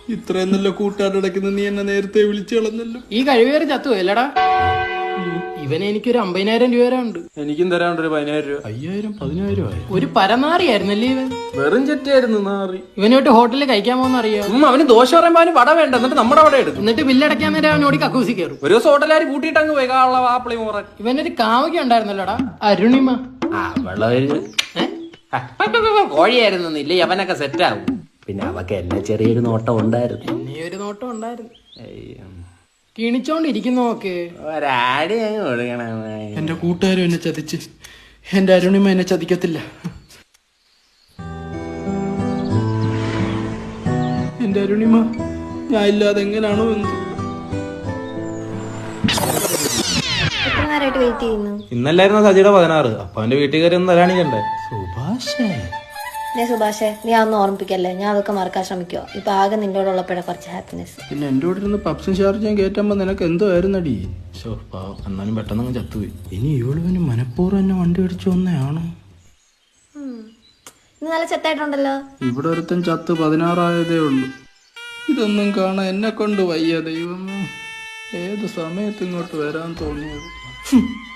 ഇത്രയും നല്ല കൂട്ടുകാരടക്കുന്ന നീ എന്നെ നേരത്തെ വിളിച്ചു കളഞ്ഞല്ലോ. ഈ കഴിവേറി ചത്തു അല്ലടാ. ഇവന് എനിക്കൊരു 50,000 രൂപ ഉണ്ട്. എനിക്കും തരാണ്ട് ഒരു 10,000 രൂപ. 5,000 10,000 ഒരു പരനാറിയായിരുന്നല്ലേ ഇവൻ. വെറും ചെറ്റായിരുന്നു നാറി. ഇവനോട്ട് ഹോട്ടലിൽ കഴിക്കാൻ പോകുന്ന അറിയാം. അവന് ദോശ പറയുമ്പോ അവന് വട വേണ്ട, എന്നിട്ട് നമ്മുടെ അവിടെ എടുക്കും. എന്നിട്ട് ബില്ലടയ്ക്കാൻ നേരം അവനോട് കക്കൂസി കയറും. ഒരു ദിവസം ഹോട്ടലുകാർ കൂട്ടിയിട്ട് അങ്ങ് പോയി കാള ആപ്പിളി മോറൻ. ഇവനൊരു കാമുക ഉണ്ടായിരുന്നല്ലോടാ, അരുണിമ. കോഴിയായിരുന്നു ഇല്ലേ അവനൊക്കെ സെറ്റ് ആവും. പിന്നെ അവക്ക് എന്നെ ചെറിയൊരു നോട്ടം ഉണ്ടായിരുന്നു. എന്നെ ഒരു നോട്ടം ഉണ്ടായിരുന്നു. കിണിച്ചോണ്ടിരിക്കുന്നു നോക്ക്. ഒരാടി അങ്ങ് കൊടുക്കണം. എന്റെ കൂട്ടുകാരും എന്നെ ചതിച്ച്, എന്റെ അരുണിമ എന്നെ ചതിക്കത്തില്ല. എന്റെ അരുണിമ ഞാൻ ഇല്ലാതെ എങ്ങനെയാണോ എന്ന്. ഇന്നല്ലായിരുന്നു സജിയുടെ 16. അപ്പൊ അവന്റെ വീട്ടിൽ കയറി ഒന്ന് തരാണിക്കണ്ടേ. സുഭാഷേ സുഭാഷേ, നീ അതൊന്നും ഓർമ്മിപ്പിക്കല്ലേ. ഞാൻ അതൊക്കെ മറക്കാൻ ശ്രമിക്കുക. ഇപ്പൊ ആകെ നിന്നോടുള്ളപ്പോഴേ കുറച്ച് ഹാപ്പിനെസ്. പിന്നെ എന്റെ കൂടെ ഇരുന്ന് പപ്സും ഷാർജയും കയറ്റുമ്പോ നിനക്ക് എന്തോ ആയിരുന്നടി. എന്നാലും പെട്ടെന്ന് ചത്തുപോയി. ഇനി ഇവളുവിന് മനഃപൂർവ്വം എന്നെ വണ്ടി അടിച്ചു വന്നയാണോ? ഇന്ന് നല്ല ചെത്തായിട്ടുണ്ടല്ലോ. ഇവിടെ ഒരുത്തൻ ചത്ത് 16 ഉള്ളൂ. ഇതൊന്നും കാണാൻ എന്നെ കൊണ്ട് വയ്യ ദൈവമേ. ഏത് സമയത്ത് ഇങ്ങോട്ട് വരാൻ തോന്നിയത്.